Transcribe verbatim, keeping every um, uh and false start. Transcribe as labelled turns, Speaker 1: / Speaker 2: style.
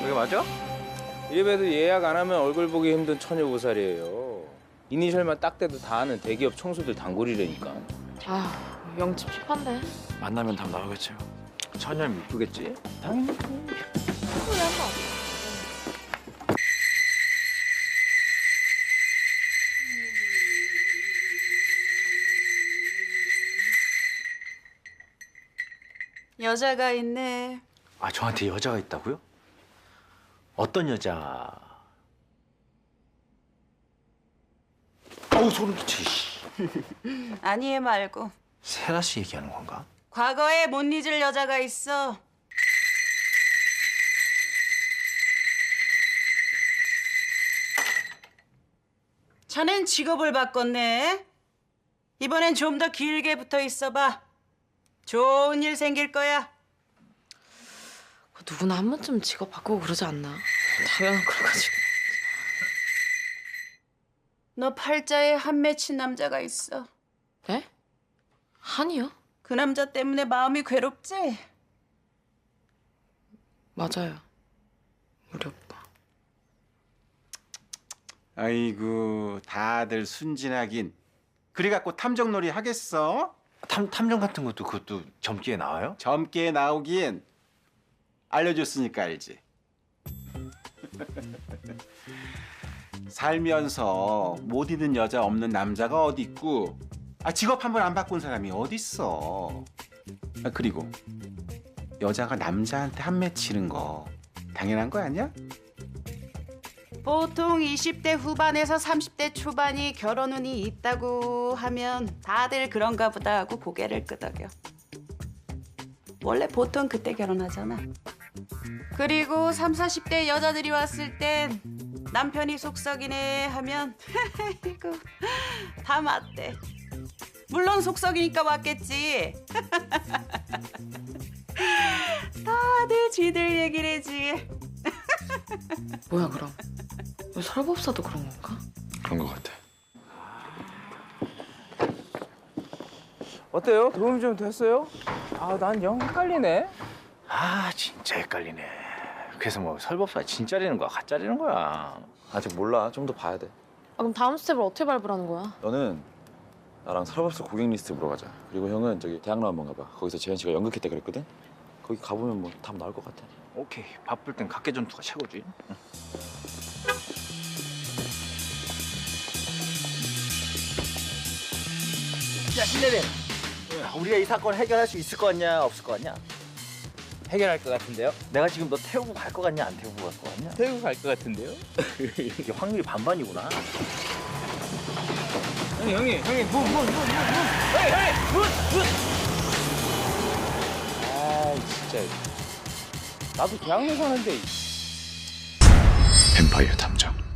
Speaker 1: 그게 맞아?
Speaker 2: 이래봬도 예약 안 하면 얼굴 보기 힘든 처녀보살이에요. 이니셜만 딱 대도 다 아는 대기업 청소들 단골이라니까.
Speaker 3: 아, 영집 힙한데.
Speaker 1: 만나면 답 나오겠지.
Speaker 2: 처녀는 이쁘겠지? 당연히.
Speaker 3: 그래, 한번.
Speaker 4: 여자가 있네.
Speaker 1: 아, 저한테 여자가 있다고요? 어떤 여자? 어우, 소름 끼치.
Speaker 4: 아니 얘 말고
Speaker 1: 세라 씨 얘기하는 건가?
Speaker 4: 과거에 못 잊을 여자가 있어. 자넨 직업을 바꿨네. 이번엔 좀 더 길게 붙어 있어봐. 좋은 일 생길 거야.
Speaker 3: 누구나 한 번쯤 직업 바꾸고 그러지 않나? 당연한 거가지고.
Speaker 4: 너 팔자에 한 맺힌 남자가 있어.
Speaker 3: 네? 한이요?
Speaker 4: 그 남자 때문에 마음이 괴롭지?
Speaker 3: 맞아요. 우리 오빠.
Speaker 5: 아이고 다들 순진하긴. 그래 갖고 탐정놀이 하겠어?
Speaker 1: 탐, 탐정 같은 것도 그것도 젊기에 나와요?
Speaker 5: 젊게 나오긴. 알려줬으니까 알지. 살면서 못 잊는 여자 없는 남자가 어디 있고, 아 직업 한 번 안 바꾼 사람이 어디 있어. 아 그리고 여자가 남자한테 한 맺히는 거 당연한 거 아니야?
Speaker 4: 보통 이십 대 후반에서 삼십 대 초반이 결혼 운이 있다고 하면 다들 그런가 보다 하고 고개를 끄덕여. 원래 보통 그때 결혼하잖아. 그리고 삼, 사십 대 여자들이 왔을 땐 남편이 속썩이네 하면 이거 다 맞대. 물론 속썩이니까 왔겠지. 다들 지들 얘기를 해지.
Speaker 3: 뭐야, 그럼? 왜 설법사도 그런 건가?
Speaker 1: 그런 것 같아.
Speaker 2: 어때요? 도움이 좀 됐어요? 아, 난 영 헷갈리네.
Speaker 1: 아, 진짜 헷갈리네. 그래서 뭐 설법사 진짜라는 거야, 가짜라는 거야?
Speaker 6: 아직 몰라. 좀 더 봐야 돼.
Speaker 3: 아, 그럼 다음 스텝을 어떻게 밟으라는 거야?
Speaker 6: 너는 나랑 설법사 고객 리스트 보러 가자. 그리고 형은 저기 대학로 한번 가봐. 거기서 재현 씨가 연극했다 그랬거든. 거기 가보면 뭐 답 나올 것 같아.
Speaker 1: 오케이, 바쁠 땐 각계 전투가 최고지. 응. 야, 신내림. 우리가 이 사건 해결할 수 있을 것 같냐, 없을 것 같냐?
Speaker 2: 해결할 것 같은데요?
Speaker 1: 내가 지금 너 태우고 갈 것 같냐, 안 태우고 갈 것 같냐?
Speaker 2: 태우고 갈 것 같은데요?
Speaker 1: 이게 확률이 반반이구나.
Speaker 2: 형님, 형님, 형님, 문, 문, 문, 문, 문! 형님, 형님, 문, 문! 아이, 진짜. 나도 대학로 사는데.
Speaker 1: 뱀파이어 탐정.